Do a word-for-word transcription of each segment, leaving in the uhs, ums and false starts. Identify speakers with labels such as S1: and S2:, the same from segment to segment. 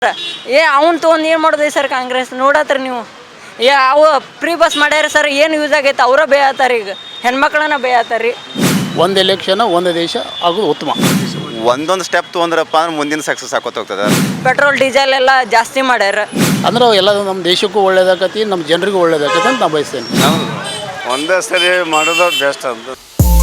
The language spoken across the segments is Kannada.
S1: ಏ ಅವ್ನು ತೊಗೊಂಡು ಏನು ಮಾಡೋದು ಸರ್ ಕಾಂಗ್ರೆಸ್ ನೋಡತ್ರಿ ನೀವು. ಏ ಅವು ಫ್ರೀ ಬಸ್ ಮಾಡ್ಯಾರ ಸರ್, ಏನು ಯೂಸ್ ಆಗೈತೆ ಅವರ ಬೇಯತ್ತಾರ, ಈಗ ಹೆಣ್ಮಕ್ಳನ್ನ ಬೇಯತ್ತಾರ ರೀ.
S2: ಒಂದು ಎಲೆಕ್ಷನ್ ಒಂದು ದೇಶ ಆಗೋದು ಉತ್ತಮ.
S3: ಒಂದೊಂದು ಸ್ಟೆಪ್ ತೊಗೊಂಡ್ರಪ್ಪ ಅಂದ್ರೆ ಮುಂದಿನ ಸಕ್ಸಸ್ ಆಕೋತ ಹೋಗ್ತದೆ.
S1: ಪೆಟ್ರೋಲ್ ಡೀಸೆಲ್ ಎಲ್ಲ ಜಾಸ್ತಿ ಮಾಡ್ಯಾರ
S2: ಅಂದ್ರೆ ಎಲ್ಲ ನಮ್ಮ ದೇಶಕ್ಕೂ ಒಳ್ಳೇದಾಕತಿ, ನಮ್ಮ ಜನರಿಗೂ ಒಳ್ಳೇದಾಕತಿ ಅಂತ ನಾನು ಬಯಸ್ತೇನೆ.
S4: ಒಂದೇ ಸರಿ ಮಾಡೋದು ಬೆಸ್ಟ್ ಅಂತ.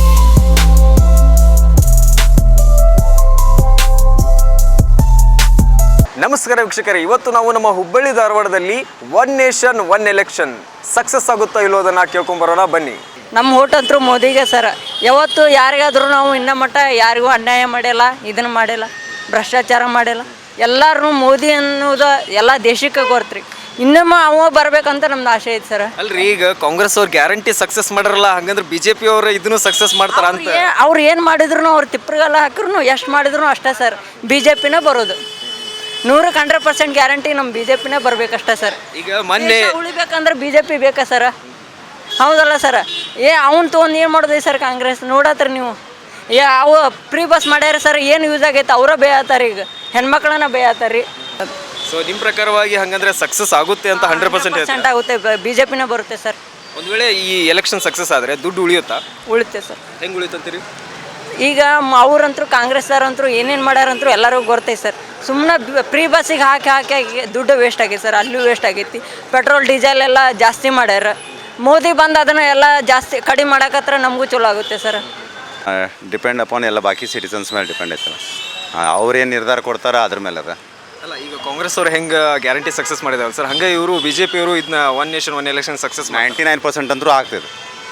S5: ನಮಸ್ಕಾರ ವೀಕ್ಷಕರೇ, ಇವತ್ತು ನಾವು ನಮ್ಮ ಹುಬ್ಬಳ್ಳಿ ಧಾರವಾಡದಲ್ಲಿ one nation one election success ಆಗುತ್ತಾ ಇಲ್ಲೋದನ್ನು ಕೇಳ್ಕೊಂಬರೋಣ ಬನ್ನಿ.
S1: ನಮ್ಮ ಓಟ್ ಅಂತೂ ಮೋದಿಗೆ ಸರ್. ಯಾವತ್ತು ಯಾರಿಗಾದ್ರೂ ನಾವು ಇನ್ನೂ ಮಟ್ಟ ಯಾರಿಗೂ ಅನ್ಯಾಯ ಮಾಡಿಲ್ಲ, ಇದನ್ನು ಮಾಡಿಲ್ಲ, ಭ್ರಷ್ಟಾಚಾರ ಮಾಡಿಲ್ಲ. ಎಲ್ಲರೂ ಮೋದಿ ಅನ್ನೋದು ಎಲ್ಲ ದೇಶಕ್ಕೆ ಗೊತ್ತ್ರಿ. ಇನ್ನೊಮ್ಮೆ ಅವ ಬರ್ಬೇಕಂತ ನಮ್ದು ಆಸೆ ಐತೆ ಸರ್.
S5: ಅಲ್ರಿ, ಈಗ ಕಾಂಗ್ರೆಸ್ ಅವ್ರು ಗ್ಯಾರಂಟಿ ಸಕ್ಸಸ್ ಮಾಡರಲ್ಲ, ಹಂಗಂದ್ರೆ ಬಿ ಜೆ ಪಿ ಅವರು ಇದನ್ನು ಸಕ್ಸಸ್ ಮಾಡ್ತಾರ ಅಂತ.
S1: ಅವ್ರು ಏನು ಮಾಡಿದ್ರು ಅವ್ರು ತಿಪ್ಪರಿಗೆಲ್ಲ ಹಾಕಿದ್ರು ಎಷ್ಟು ಮಾಡಿದ್ರು ಅಷ್ಟೇ ಸರ್. ಬಿ ಜೆ ಪಿನೇ ಬರೋದು ನೂರಕ್ಕೆ ಹಂಡ್ರೆಡ್ ಪರ್ಸೆಂಟ್ ಗ್ಯಾರಂಟಿ. ನಮ್ಮ ಬಿ ಜೆ ಪಿನೇ ಬರ್ಬೇಕಷ್ಟೇ ಸರ್.
S5: ಈಗ ಮೊನ್ನೆ
S1: ಉಳಿಬೇಕಂದ್ರೆ ಬಿ ಜೆ ಪಿ ಬೇಕಾ ಸರ್? ಹೌದಲ್ಲ ಸರ್? ಏ ಅವ್ನು ತೊಗೊಂಡು ಏನು ಮಾಡೋದು ಸರ್ ಕಾಂಗ್ರೆಸ್ ನೋಡತ್ರಿ ನೀವು. ಏ ಅವು ಫ್ರೀ ಬಸ್ ಮಾಡ್ಯಾರ ಸರ್, ಏನು ಯೂಸ್ ಆಗೈತೆ ಅವರ ಬೇಯತ್ತಾರ, ಈಗ ಹೆಣ್ಮಕ್ಳನ್ನ ಬೇಯತ್ತಾರ ರೀ.
S5: ಸೊ ನಿಮ್ಮ ಪ್ರಕಾರವಾಗಿ ಹಂಗಂದ್ರೆ ಸಕ್ಸಸ್ ಆಗುತ್ತೆ ಅಂತ ಹಂಡ್ರೆಡ್ ಪರ್ಸೆಂಟ್
S1: ಪರ್ಸೆಂಟ್ ಆಗುತ್ತೆ, ಬಿ ಜೆ ಪಿನೇ ಬರುತ್ತೆ ಸರ್.
S5: ಒಂದು ವೇಳೆ ಈ ಎಲೆಕ್ಷನ್ ಸಕ್ಸಸ್ ಆದರೆ ದುಡ್ಡು ಉಳಿಯುತ್ತಾ?
S1: ಉಳಿತೆ ಸರ್.
S5: ಹೆಂಗೆ ಉಳಿತಂತೀರಿ?
S1: ಈಗ ಅವ್ರಂತರೂ ಕಾಂಗ್ರೆಸ್ದವ್ರಂತರೂ ಏನೇನು ಮಾಡ್ಯಾರಂತರೂ ಎಲ್ಲರಿಗೂ ಗೊತ್ತೈತೆ ಸರ್. ಸುಮ್ಮನೆ ಫ್ರೀ ಬಸ್ಸಿಗೆ ಹಾಕಿ ಹಾಕಿ ಹಾಕಿ ದುಡ್ಡು ವೇಸ್ಟ್ ಆಗೈತೆ ಸರ್. ಅಲ್ಲೂ ವೇಸ್ಟ್ ಆಗೈತಿ. ಪೆಟ್ರೋಲ್ ಡೀಸೆಲ್ ಎಲ್ಲ ಜಾಸ್ತಿ ಮಾಡ್ಯಾರ. ಮೋದಿ ಬಂದು ಅದನ್ನು ಎಲ್ಲ ಜಾಸ್ತಿ ಕಡಿಮೆ ಮಾಡಕತ್ರ ನಮಗೂ ಚಲೋ ಆಗುತ್ತೆ ಸರ್.
S3: ಡಿಪೆಂಡ್ ಅಪಾನ್ ಎಲ್ಲ ಬಾಕಿ ಸಿಟಿಸನ್ಸ್ ಮೇಲೆ ಡಿಪೆಂಡ್ ಐತಲ್ಲ, ಅವ್ರೇನು ನಿರ್ಧಾರ ಕೊಡ್ತಾರೋ ಅದ್ರ ಮೇಲೆ ಅದ.
S5: ಅಲ್ಲ, ಈಗ ಕಾಂಗ್ರೆಸ್ ಅವ್ರು ಹೆಂಗೆ ಗ್ಯಾರಂಟಿ ಸಕ್ಸಸ್ ಮಾಡಿದಾರೆ ಸರ್, ಹಂಗೆ ಇವರು ಬಿ ಜೆ ಪಿ ಅವರು ಇದನ್ನ one nation one election success
S3: ninety nine percent ಅಂತೂ ಆಗ್ತಿದೆ.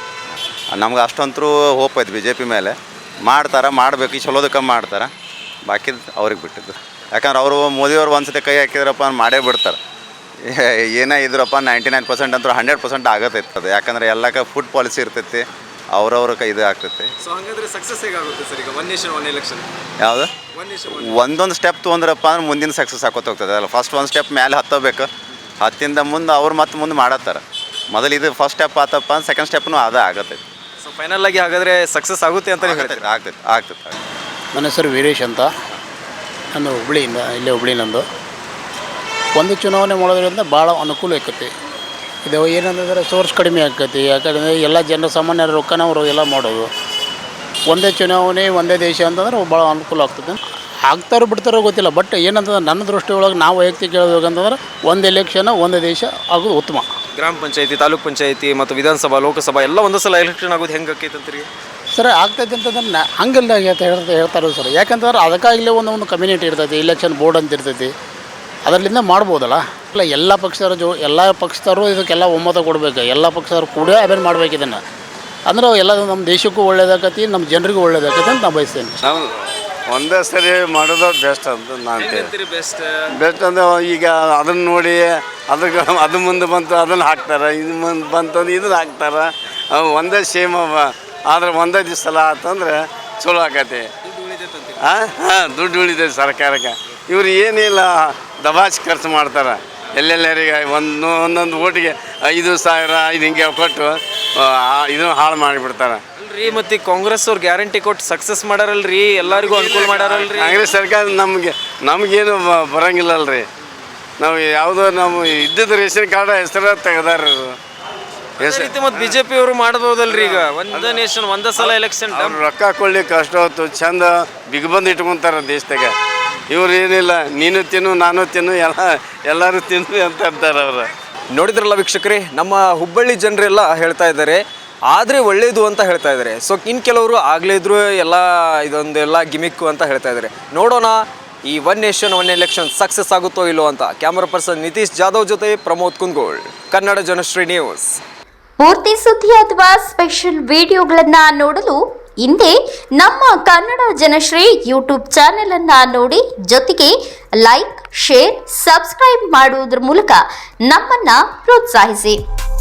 S3: ನಮ್ಗೆ ಅಷ್ಟಂತರೂ ಹೋಪ್ ಐತೆ ಬಿ ಜೆ ಪಿ ಮೇಲೆ. ಮಾಡ್ತಾರೆ, ಮಾಡಬೇಕು, ಈ ಚಲೋದಕ್ಕೆ ಮಾಡ್ತಾರೆ, ಬಾಕಿದು ಅವ್ರಿಗೆ ಬಿಟ್ಟಿದ್ದು. ಯಾಕಂದ್ರೆ ಅವರು ಮೋದಿಯವ್ರು ಒಂದು ಸತಿ ಕೈ ಹಾಕಿದ್ರಪ್ಪ ಮಾಡೇ ಬಿಡ್ತಾರೆ. ಏನೇ ಇದ್ರಪ್ಪ ನೈಂಟಿ ನೈನ್ ಪರ್ಸೆಂಟ್ ಅಂತೂ ಹಂಡ್ರೆಡ್ ಪರ್ಸೆಂಟ್ ಆಗತೈತೆ ಅದು. ಯಾಕಂದ್ರೆ ಎಲ್ಲಕ್ಕೆ ಫುಡ್ ಪಾಲಿಸಿ ಇರ್ತೈತಿ, ಅವ್ರವ್ರ ಕೈ ಇದು ಆಗ್ತೈತಿ.
S5: ಸೊ ಹಾಗಾದ್ರೆ ಸಕ್ಸಸ್ ಹೇಗಾಗುತ್ತೆ ಸರ್ ಈಗ ಒನ್ ನೇಷನ್ ಒನ್ ಎಲೆಕ್ಷನ್?
S3: ಯಾವುದು?
S5: ಒನ್ ನೇಷನ್
S3: ಒಂದೊಂದು ಸ್ಟೆಪ್ ತೊಗೊಂಡ್ರಪ್ಪ ಅಂದ್ರೆ ಮುಂದಿನ ಸಕ್ಸಸ್ ಆಕೋತ ಹೋಗ್ತದೆ. ಅಲ್ಲ, ಫಸ್ಟ್ ಒಂದು ಸ್ಟೆಪ್ ಮೇಲೆ ಹತ್ತಬೇಕು, ಹತ್ತಿಂದ ಮುಂದೆ ಅವ್ರು ಮತ್ತೆ ಮುಂದೆ ಮಾಡತ್ತಾರೆ. ಮೊದಲು ಇದು ಫಸ್ಟ್ ಸ್ಟೆಪ್ ಆತಪ್ಪ ಅಂದ್ರೆ ಸೆಕೆಂಡ್ ಸ್ಟೆಪ್ನು ಅದೇ ಆಗತ್ತೈತಿ.
S5: ಸೊ ಫೈನಲ್ ಆಗಿ ಹಾಗಾದರೆ ಸಕ್ಸಸ್ ಆಗುತ್ತೆ ಅಂತ ಹೇಳ್ತೀರಿ?
S3: ಆಗ್ತೈತೆ ಆಗ್ತೈತೆ
S2: ನನ್ನ ಹೆಸರು ವೀರೇಶ್ ಅಂತ, ನಾನು ಹುಬ್ಳಿಯಿಂದ, ಇಲ್ಲೇ ಹುಬ್ಳಿ ನಂದು. ಒಂದು ಚುನಾವಣೆ ಮಾಡೋದ್ರಿಂದ ಭಾಳ ಅನುಕೂಲ ಆಕೈತಿ. ಇದು ಏನಂತಂದರೆ ಸೋರ್ಸ್ ಕಡಿಮೆ ಆಕೈತಿ. ಯಾಕಂದರೆ ಎಲ್ಲ ಜನ ಸಾಮಾನ್ಯರ ರೊಕ್ಕನ ಅವರು ಎಲ್ಲ ಮಾಡೋದು. ಒಂದೇ ಚುನಾವಣೆ ಒಂದೇ ದೇಶ ಅಂತಂದ್ರೆ ಭಾಳ ಅನುಕೂಲ ಆಗ್ತದೆ. ಆಗ್ತಾರೋ ಬಿಡ್ತಾರೋ ಗೊತ್ತಿಲ್ಲ, ಬಟ್ ಏನಂತಂದ್ರೆ ನನ್ನ ದೃಷ್ಟಿ ಒಳಗೆ ನಾವು ವೈಯಕ್ತಿಕ ಹೇಳ್ಬೇಕಂತಂದ್ರೆ ಒಂದು ಎಲೆಕ್ಷನ್ ಒಂದು ದೇಶ ಆಗೋದು ಉತ್ತಮ.
S5: ಗ್ರಾಮ ಪಂಚಾಯತಿ, ತಾಲೂಕ್ ಪಂಚಾಯತಿ ಮತ್ತು ವಿಧಾನಸಭಾ, ಲೋಕಸಭಾ ಎಲ್ಲ ಒಂದೇ ಸಲ ಎಲೆಕ್ಷನ್ ಆಗೋದು ಹೆಂಗೆ ಆಕೈತೆ ಅಂತೀರಿ
S2: ಸರ್? ಆಗ್ತೈತೆ ಅಂತಂದ್ರೆ ನಾ ಹಂಗೆಲ್ಲ ಹೇಳ್ತಾ ಹೇಳ್ತಾರೆ ಸರ್. ಯಾಕಂತಂದ್ರೆ ಅದಕ್ಕಾಗಲೇ ಒಂದು ಒಂದು ಕಮ್ಯುನಿಟಿ ಇರ್ತೈತಿ, ಎಲೆಕ್ಷನ್ ಬೋರ್ಡ್ ಅಂತ ಇರ್ತೈತಿ, ಅದರಿಂದ ಮಾಡ್ಬೋದಲ್ಲ. ಇಲ್ಲ, ಎಲ್ಲ ಪಕ್ಷದವರು ಜೋ ಎಲ್ಲ ಪಕ್ಷದವರು ಇದಕ್ಕೆಲ್ಲ ಒಮ್ಮತ ಕೊಡಬೇಕು. ಎಲ್ಲ ಪಕ್ಷದವರು ಕೂಡ ಅವೇನು ಮಾಡ್ಬೇಕು ಇದನ್ನು. ಅಂದ್ರೆ ಎಲ್ಲ ನಮ್ಮ ದೇಶಕ್ಕೂ ಒಳ್ಳೇದಾಕತಿ, ನಮ್ಮ ಜನರಿಗೂ ಒಳ್ಳೇದಾಕತಿ ಅಂತ ನಾನು ಬಯಸ್ತೇನೆ.
S4: ಹೌದು, ಒಂದೇ ಸರಿ ಮಾಡೋದು ಬೆಸ್ಟ್ ಅಂತ ನಾನು ಹೇಳ್ತೀನಿ.
S5: ಬೆಸ್ಟ್
S4: ಬೆಸ್ಟ್ ಅಂದರೆ ಈಗ ಅದನ್ನು ನೋಡಿ ಅದಕ್ಕೆ ಅದು ಮುಂದೆ ಬಂತು ಅದನ್ನು ಹಾಕ್ತಾರೆ, ಇದು ಮುಂದೆ ಬಂತಂದ್ರೆ ಇದನ್ನು ಹಾಕ್ತಾರೆ. ಒಂದೇ ಸೇಮ್ ಅವ, ಆದ್ರೆ ಒಂದೇ ದಿವಸ ಸಲ ಆತಂದ್ರೆ ಚಲೋ ಆಕತಿ. ಹಾಂ ಹಾಂ ದುಡ್ಡು ಉಳಿತೈತೆ ಸರ್ಕಾರಕ್ಕೆ. ಇವ್ರು ಏನಿಲ್ಲ ದಬಾಚ್ ಖರ್ಚು ಮಾಡ್ತಾರೆ. ಎಲ್ಲೆಲ್ಲರಿಗೆ ಒಂದು ಒಂದೊಂದು ಓಟಿಗೆ ಐದು ಸಾವಿರ ಐದು ಹಿಂಗೆ ಕೊಟ್ಟು ಇದನ್ನು ಹಾಳು ಮಾಡಿಬಿಡ್ತಾರೆ.
S5: ಅಲ್ರಿ, ಮತ್ತು ಕಾಂಗ್ರೆಸ್ ಅವ್ರು ಗ್ಯಾರಂಟಿ ಕೊಟ್ಟು ಸಕ್ಸಸ್ ಮಾಡಾರಲ್ರಿ, ಎಲ್ಲರಿಗೂ ಅನುಕೂಲ ಮಾಡಾರಲ್ರಿ.
S4: ಕಾಂಗ್ರೆಸ್ ಸರ್ಕಾರ ನಮಗೆ ನಮಗೇನು ಬರೋಂಗಿಲ್ಲಲ್ರಿ. ನಾವು ಯಾವುದೋ ನಮ್ಮ ಇದ್ದಿದ್ದು ರೇಷನ್ ಕಾರ್ಡ್ ಹೆಸರು ತೆಗೆದಾರ
S5: ಹೆಸರು. ಮತ್ತು ಬಿ ಜೆ ಪಿ ಅವರು ಮಾಡ್ಬೋದಲ್ರಿ ಈಗ ಒಂದೇ ನೇಷನ್ ಒಂದೇ ಸಲ ಎಲೆಕ್ಷನ್.
S4: ಅವ್ರು ರೊಕ್ಕ ಕೊಡ್ಲಿಕ್ಕೆ ಅಷ್ಟ ಹೊತ್ತು ಚಂದ ಬಿಗ್ಬಂದು ಇಟ್ಕೊತಾರೆ ದೇಶದಾಗ. ಇವ್ರು ಏನಿಲ್ಲ, ನೀನು ತಿನ್ನು ನಾನು ತಿನ್ನು ಎಲ್ಲ ಎಲ್ಲರೂ ತಿನ್ನು ಅಂತ ಅಂತಾರೆ ಅವರು.
S5: ನೋಡಿದ್ರಲ್ಲ ವೀಕ್ಷಕರೇ, ನಮ್ಮ ಹುಬ್ಬಳ್ಳಿ ಜನರೆಲ್ಲ ಹೇಳ್ತಾ ಇದ್ದಾರೆ ಆದರೆ ಒಳ್ಳೇದು ಅಂತ ಹೇಳ್ತಾ ಇದ್ದಾರೆ. ಸೊ ಇನ್ನು ಕೆಲವರು ಆಗಲೇ ಇದ್ರು ಎಲ್ಲ ಇದೊಂದೆಲ್ಲ ಗಿಮಿಕ್ಕು ಅಂತ ಹೇಳ್ತಾ ಇದ್ದಾರೆ. ನೋಡೋಣ ಈ one nation one election success ಆಗುತ್ತೋ ಇಲ್ಲೋ ಅಂತ. ಕ್ಯಾಮರಾ ಪರ್ಸನ್ ನಿತೀಶ್ ಜಾಧವ್ ಜೊತೆ ಪ್ರಮೋದ್ ಕುಂದಗೋಳ್, ಕನ್ನಡ ಜನಶ್ರೀ ನ್ಯೂಸ್.
S6: ಪೂರ್ತಿ ಸುದ್ದಿ ಅಥವಾ ಸ್ಪೆಷಲ್ ವಿಡಿಯೋಗಳನ್ನು ನೋಡಲು ಹಿಂದೆ ನಮ್ಮ ಕನ್ನಡ ಜನಶ್ರೀ ಯೂಟ್ಯೂಬ್ ಚಾನೆಲ್ ಅನ್ನ ನೋಡಿ, ಜೊತೆಗೆ ಲೈಕ್, ಶೇರ್, ಸಬ್ಸ್ಕ್ರೈಬ್ ಮಾಡುವುದರ ಮೂಲಕ ನಮ್ಮನ್ನ ಪ್ರೋತ್ಸಾಹಿಸಿ.